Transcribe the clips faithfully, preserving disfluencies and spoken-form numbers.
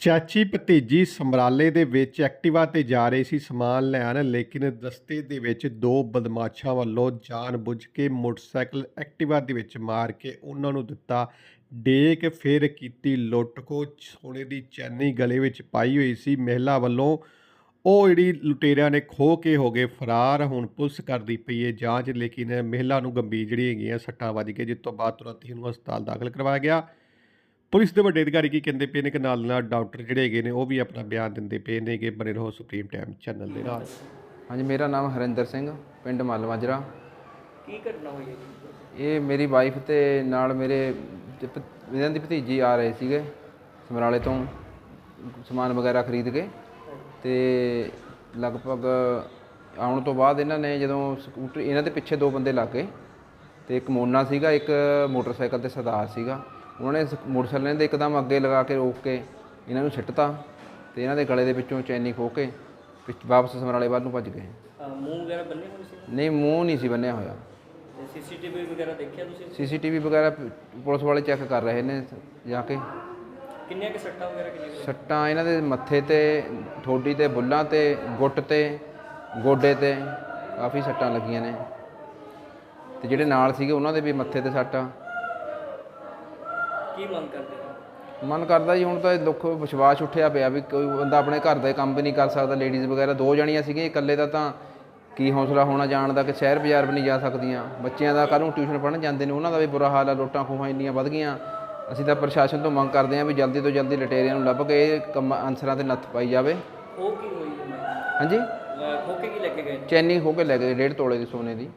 ਚਾਚੀ ਭਤੀਜੀ ਸਮਰਾਲੇ ਦੇ ਵਿੱਚ ਐਕਟਿਵਾ ਤੇ ਜਾ ਰਹੇ ਸੀ ਸਮਾਨ ਲੈਣ, ਲੇਕਿਨ ਰਸਤੇ ਦੇ ਵਿੱਚ ਦੋ ਬਦਮਾਸ਼ਾਂ ਵੱਲੋਂ ਜਾਣ-ਬੁੱਝ ਕੇ ਮੋਟਰਸਾਈਕਲ ਐਕਟਿਵਾ ਦੇ ਵਿੱਚ ਮਾਰ ਕੇ ਉਹਨਾਂ ਨੂੰ ਦਿੱਤਾ ਡੇਕ। ਫਿਰ ਕੀਤੀ ਲੁੱਟ-ਖੋਹ। ਸੋਨੇ ਦੀ ਚੈਨੀ ਗਲੇ ਵਿੱਚ ਪਾਈ ਹੋਈ ਸੀ ਮਹਿਲਾ ਵੱਲੋਂ, ਉਹ ਜਿਹੜੀ ਲੁਟੇਰਿਆਂ ਨੇ ਖੋਹ ਕੇ ਹੋ ਗਏ ਫਰਾਰ। ਹੁਣ ਪੁਲਿਸ ਕਰਦੀ ਪਈ ਹੈ ਜਾਂਚ, ਲੇਕਿਨ ਮਹਿਲਾ ਨੂੰ ਗੰਭੀਰ ਜਿਹੜੀ ਹੈਗੀਆਂ ਸੱਟਾਂ ਵੱਜ ਗਈਆਂ, ਜਿਸ ਤੋਂ ਬਾਅਦ ਤੁਰੰਤ ਹੀ ਉਹਨੂੰ ਹਸਪਤਾਲ ਦਾਖਲ ਕਰਵਾਇਆ ਗਿਆ। ਪੁਲਿਸ ਦੇ ਵੱਡੇ ਅਧਿਕਾਰੀ ਕੀ ਕਹਿੰਦੇ ਪਏ ਨੇ ਕਿ ਨਾਲ ਨਾਲ ਡਾਕਟਰ ਜਿਹੜੇ ਹੈਗੇ ਨੇ ਉਹ ਵੀ ਆਪਣਾ ਬਿਆਨ ਦਿੰਦੇ ਪਏ ਨੇ ਕਿ ਬਣੇ ਰਹੋ ਸੁਪਰੀਮ ਟਾਈਮ ਚੈਨਲ ਦੇ ਨਾਲ। ਹਾਂਜੀ, ਮੇਰਾ ਨਾਮ ਹਰਿੰਦਰ ਸਿੰਘ, ਪਿੰਡ ਮੱਲ ਮਾਜਰਾ। ਕੀ ਘਟਨਾ ਹੋਈ ਹੈ ਜੀ? ਇਹ ਮੇਰੀ ਵਾਈਫ ਤੇ ਨਾਲ ਮੇਰੇ ਭ- ਇਹਨਾਂ ਦੀ ਭਤੀਜੀ ਆ ਰਹੇ ਸੀਗੇ ਸਮਰਾਲੇ ਤੋਂ ਸਮਾਨ ਵਗੈਰਾ ਖਰੀਦ ਕੇ, ਤੇ ਲਗਭਗ ਆਉਣ ਤੋਂ ਬਾਅਦ ਇਹਨਾਂ ਨੇ ਜਦੋਂ ਸਕੂਟਰ, ਇਹਨਾਂ ਦੇ ਪਿੱਛੇ ਦੋ ਬੰਦੇ ਲੱਗ ਗਏ ਤੇ ਇੱਕ ਮੋਨਾ ਸੀਗਾ, ਇੱਕ ਮੋਟਰਸਾਈਕਲ ਤੇ ਸਰਦਾਰ ਸੀਗਾ। ਉਹਨਾਂ ਨੇ ਮੋਟਰਸਾਈਕਲ ਦੇ ਇੱਕਦਮ ਅੱਗੇ ਲਗਾ ਕੇ ਰੋਕ ਕੇ ਇਹਨਾਂ ਨੂੰ ਸਿੱਟਤਾ ਤੇ ਇਹਨਾਂ ਦੇ ਗਲੇ ਦੇ ਵਿੱਚੋਂ ਚੈਨੀ ਖੋਹ ਕੇ ਪਿੱਛ ਵਾਪਸ ਸਮਰਾਲੇ ਵੱਲ ਨੂੰ ਭੱਜ ਗਏ। ਅਹ ਮੂੰਹ ਵਗੈਰਾ ਬੰਨੇ ਹੋਏ ਸੀ? ਨਹੀਂ, ਮੂੰਹ ਨਹੀਂ ਸੀ ਬੰਨਿਆ ਹੋਇਆ। ਸੀਸੀਟੀਵੀ ਵਗੈਰਾ ਦੇਖਿਆ ਤੁਸੀਂ? ਸੀਸੀਟੀਵੀ ਵਗੈਰਾ ਪੁਲਿਸ ਵਾਲੇ ਚੈੱਕ ਕਰ ਰਹੇ ਨੇ ਜਾ ਕੇ। ਕਿੰਨੀਆਂ ਕਿ ਸੱਟਾਂ ਵਗੈਰਾ ਕਿੰਨੀਆਂ? ਸੱਟਾਂ ਇਹਨਾਂ ਦੇ ਮੱਥੇ ਤੇ, ਠੋਡੀ ਤੇ, ਬੁੱਲਾਂ ਤੇ, ਗੁੱਟ ਤੇ, ਗੋਡੇ ਤੇ ਕਾਫੀ ਸੱਟਾਂ ਲੱਗੀਆਂ ਨੇ, ਤੇ ਜਿਹੜੇ ਨਾਲ ਸੀਗੇ ਉਹਨਾਂ ਦੇ ਵੀ ਮੱਥੇ ਤੇ ਸੱਟ ਆ। ਕੀ ਮੰਗ ਕਰਦੇ ਹੋ? ਮਨ ਕਰਦਾ ਜੀ, ਹੁਣ ਤਾਂ ਇਹ ਦੁੱਖ ਵਿਸ਼ਵਾਸ ਉੱਠਿਆ ਪਿਆ ਵੀ ਕੋਈ ਬੰਦਾ ਆਪਣੇ ਘਰ ਦਾ ਕੰਮ ਵੀ ਨਹੀਂ ਕਰ ਸਕਦਾ। ਲੇਡੀਜ਼ ਵਗੈਰਾ ਦੋ ਜਣੀਆਂ ਸੀਗੀਆਂ, ਇਕੱਲੇ ਦਾ ਤਾਂ ਕੀ ਹੌਸਲਾ ਹੋਣਾ ਜਾਣ ਦਾ ਕਿ ਸ਼ਹਿਰ ਬਾਜ਼ਾਰ ਵੀ ਨਹੀਂ ਜਾ ਸਕਦੀਆਂ। ਬੱਚਿਆਂ ਦਾ ਕੱਲ੍ਹ ਨੂੰ ਟਿਊਸ਼ਨ ਪੜ੍ਹਨ ਜਾਂਦੇ ਨੇ, ਉਹਨਾਂ ਦਾ ਵੀ ਬੁਰਾ ਹਾਲ ਆ। ਲੁੱਟਾਂ ਖੋਹਾਂ ਇੰਨੀਆਂ ਵੱਧ ਗਈਆਂ। ਅਸੀਂ ਤਾਂ ਪ੍ਰਸ਼ਾਸਨ ਤੋਂ ਮੰਗ ਕਰਦੇ ਹਾਂ ਵੀ ਜਲਦੀ ਤੋਂ ਜਲਦੀ ਲਟੇਰਿਆਂ ਨੂੰ ਲੱਭ ਕੇ ਇਹ ਕੰਮ ਅਨਸਰਾਂ 'ਤੇ ਨੱਥ ਪਾਈ ਜਾਵੇ। ਉਹ ਕੀ ਹੋਈ ਹੈ? ਹਾਂਜੀ, ਖੋ ਕੇ ਕੀ ਲੈ ਕੇ ਗਏ? ਚੈਨੀ ਖੋਹ ਕੇ ਲੈ ਗਏ ਡੇਢ ਤੋਲੇ ਦੀ ਸੋਨੇ ਦੀ।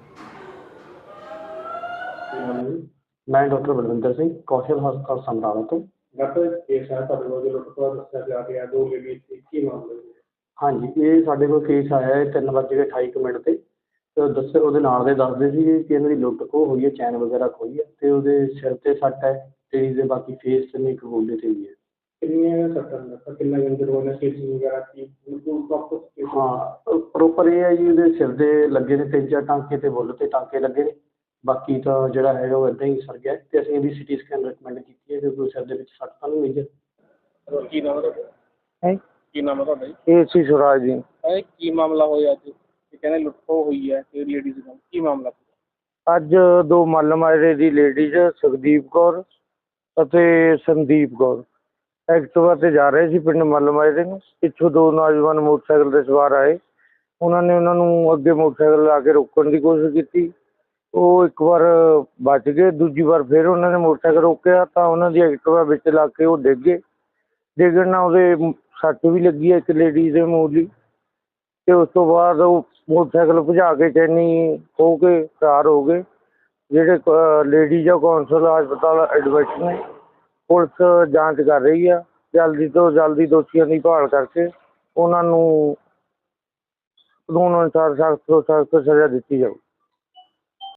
ਮੈਂ ਡਾਕਟਰ ਬਲਵਿੰਦਰ ਸਿੰਘ, ਕੌਸ਼ਲ ਹਸਪਤਾਲ ਸਮਰਾਲਾ ਤੋਂ। ਡਾਕਟਰ ਕੇਸ ਹੈ ਤੁਹਾਡੇ ਕੋਲ ਜੋ ਲੁੱਟ-ਖੋਹ ਦੱਸਿਆ ਜਾ ਰਿਹਾ, ਦੋ ਲੇਡੀਜ਼ ਸੀ, ਕੀ ਮਾਮਲਾ ਹੈ? ਹਾਂਜੀ, ਇਹ ਸਾਡੇ ਕੋਲ ਕੇਸ ਆਇਆ ਹੈ ਤਿੰਨ ਵੱਜ ਕੇ ਅਠਾਈ ਕੁ ਮਿੰਟ 'ਤੇ। ਤੇ ਉਹ ਦੱਸੇ ਉਹਦੇ ਨਾਲ ਦੇ ਦੱਸਦੇ ਸੀਗੇ ਕਿ ਇਹਨਾਂ ਦੀ ਲੁੱਟ ਖੋਹ ਹੋਈ ਹੈ, ਚੈਨ ਵਗੈਰਾ ਖੋਈ ਹੈ, ਅਤੇ ਉਹਦੇ ਸਿਰ 'ਤੇ ਸੱਟ ਹੈ ਤੇ ਇਹਦੇ ਬਾਕੀ ਫੇਸ 'ਤੇ ਨਹੀਂ, ਇੱਕ ਗੋਡੇ 'ਤੇ ਵੀ ਹੈ। ਕਿੰਨੀਆਂ ਸੱਟਾਂ ਦੱਸਾਂ, ਕਿੰਨਾ ਇੰਜਰ ਹੋਇਆ, ਸਟਿਚਿੰਗ ਵਗੈਰਾ ਕੀ ਬਿਲਕੁਲ ਪ੍ਰੋਪਰ? ਹਾਂ, ਪ੍ਰੋਪਰ ਇਹ ਹੈ ਜੀ, ਉਹਦੇ ਸਿਰ ਦੇ ਲੱਗੇ ਨੇ ਤਿੰਨ ਚਾਰ ਟਾਂਕੇ ਅਤੇ ਬੁੱਲ 'ਤੇ ਟਾਂਕੇ ਲੱਗੇ ਨੇ। ਬਾਕੀ ਤਾਂ ਜਿਹੜਾ ਹੈਗਾ ਉਹ ਇੱਦਾਂ ਹੀ ਸਰ ਗਿਆ, ਅਤੇ ਅਸੀਂ ਇਹਦੀ ਸਿਟੀ ਸਕੈਨ ਰਿਕਮੈਂਡ ਕੀਤੀ ਹੈ ਕਿਉਂਕਿ ਸਿਰ ਦੇ ਵਿੱਚ ਸੱਟ ਤਾਂ ਨਹੀਂ ਮੇਜਰ। ਕੀ ਨਾਮ ਹੈ ਤੁਹਾਡਾ? ਹੈ ਕੀ ਨਾਮ ਹੈ ਤੁਹਾਡਾ ਜੀ? ਇਹ ਸੀ ਸੁਰਾਜ ਜੀ। ਇਹ ਕੀ ਮਾਮਲਾ ਹੋਇਆ ਅੱਜ? ਇਹ ਕਹਿੰਦੇ ਲੁੱਟ-ਖੋਹ ਹੋਈ ਹੈ ਤੇ ਲੇਡੀਜ਼ ਨਾਲ ਕੀ ਮਾਮਲਾ? ਅੱਜ ਦੋ ਮੱਲ ਮਾਜਰੇ ਦੀ ਲੇਡੀਜ਼ ਸੁਖਦੀਪ ਕੌਰ ਅਤੇ ਸੰਦੀਪ ਕੌਰ ਐਕਟਿਵਾ 'ਤੇ ਜਾ ਰਹੇ ਸੀ ਪਿੰਡ ਮੱਲ ਮਾਜਰੇ ਨੂੰ। ਪਿੱਛੋਂ ਦੋ ਨੌਜਵਾਨ ਮੋਟਰਸਾਈਕਲ 'ਤੇ ਸਵਾਰ ਆਏ। ਉਹਨਾਂ ਨੇ ਉਹਨਾਂ ਨੂੰ ਅੱਗੇ ਮੋਟਰਸਾਈਕਲ ਲਾ ਕੇ ਰੋਕਣ ਦੀ ਕੋਸ਼ਿਸ਼ ਕੀਤੀ। ਉਹ ਇੱਕ ਵਾਰ ਬਚ ਗਏ, ਦੂਜੀ ਵਾਰ ਫਿਰ ਉਹਨਾਂ ਨੇ ਮੋਟਰਸਾਈਕਲ ਰੋਕਿਆ ਤਾਂ ਉਹਨਾਂ ਦੀ ਐਕਟਿਵਾ ਵਿੱਚ ਲੱਗ ਕੇ ਉਹ ਡਿੱਗ ਗਏ। ਡਿੱਗਣ ਨਾਲ ਉਹਦੇ ਸੱਟ ਵੀ ਲੱਗੀ ਹੈ ਇੱਕ ਲੇਡੀਜ਼ ਦੇ ਮੂਲੀ, ਅਤੇ ਉਸ ਤੋਂ ਬਾਅਦ ਉਹ ਮੋਟਰਸਾਈਕਲ ਭਜਾ ਕੇ ਚੈਨੀ ਖੋਹ ਕੇ ਫਰਾਰ ਹੋ ਗਏ। ਜਿਹੜੇ ਲੇਡੀਜ਼ ਆ ਕੌਂਸਲ ਹਸਪਤਾਲ ਐਡਮਿਟ ਨੇ। ਪੁਲਿਸ ਜਾਂਚ ਕਰ ਰਹੀ ਆ, ਜਲਦੀ ਤੋਂ ਜਲਦੀ ਦੋਸ਼ੀਆਂ ਦੀ ਭਾਲ ਕਰਕੇ ਉਹਨਾਂ ਨੂੰ ਕਾਨੂੰਨ ਅਨੁਸਾਰ ਸਖਤ ਤੋਂ ਸਖਤ ਸਜ਼ਾ ਦਿੱਤੀ ਜਾਊ।